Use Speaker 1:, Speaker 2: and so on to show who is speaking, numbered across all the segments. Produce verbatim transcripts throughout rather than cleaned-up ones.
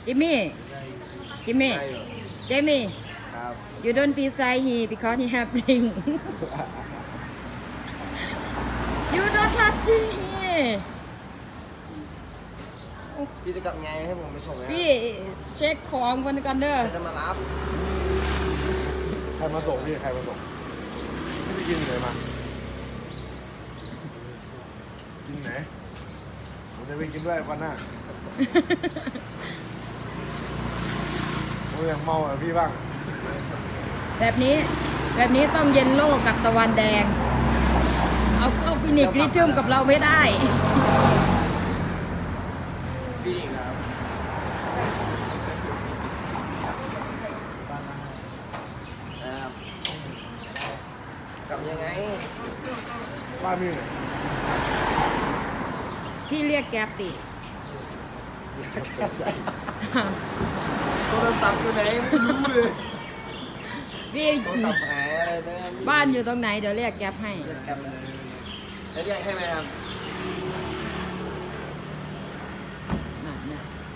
Speaker 1: จิมมี่จิมมี่
Speaker 2: ได้อยู่
Speaker 1: เจมี่
Speaker 2: ครับ
Speaker 1: you don't beside he because he have ring you don't touch he
Speaker 2: พี่จะกลับไงให้ผมไปส่งไหมครับ
Speaker 1: พี่เช็คของกันกันเด้อ
Speaker 2: ใครจะมารับ
Speaker 3: ใครมาส่งพี่ใครมาส่งพี่ไปกินที่ไหนมากินไหนผมจะไปกินด้วยวันหน้าผมอยากเมาอ่ะพี่บ้าง
Speaker 1: แบบนี้แบบนี้ต้องเย็นโลกกับตะวันแดง เอาเข้าฟินิกลิทึมกับเราไม่ได้
Speaker 2: พี่ครับนะครับกลับยังไง
Speaker 3: บ้านพี่ไหน
Speaker 1: พี่เรียกแก๊ปดิ
Speaker 2: โทรศัพท์อยู่ไหนไม่รู้เลย
Speaker 1: พี่
Speaker 2: โทรศัพท์หายอะไรไป
Speaker 1: บ้านอยู่ตรงไหนเดี๋ยวเรียกแก๊ปให้
Speaker 2: เรียกแกร็บเลยจะเรียกให้ไหมครับ
Speaker 1: น่ะน่ะ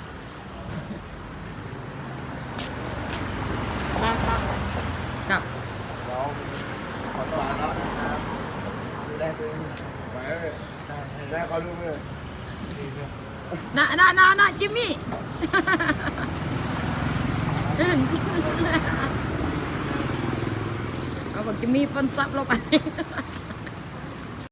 Speaker 1: บ้านครับกลับ
Speaker 3: เรา
Speaker 2: ขอตัวแล้วนะครับดูแลตัวเอง
Speaker 3: ไปเลยได้เขาดูเลย
Speaker 1: น่ะน่ะน่ะน่ะจิมมี่ เอาบอกจิมมี่ปนซับเราไป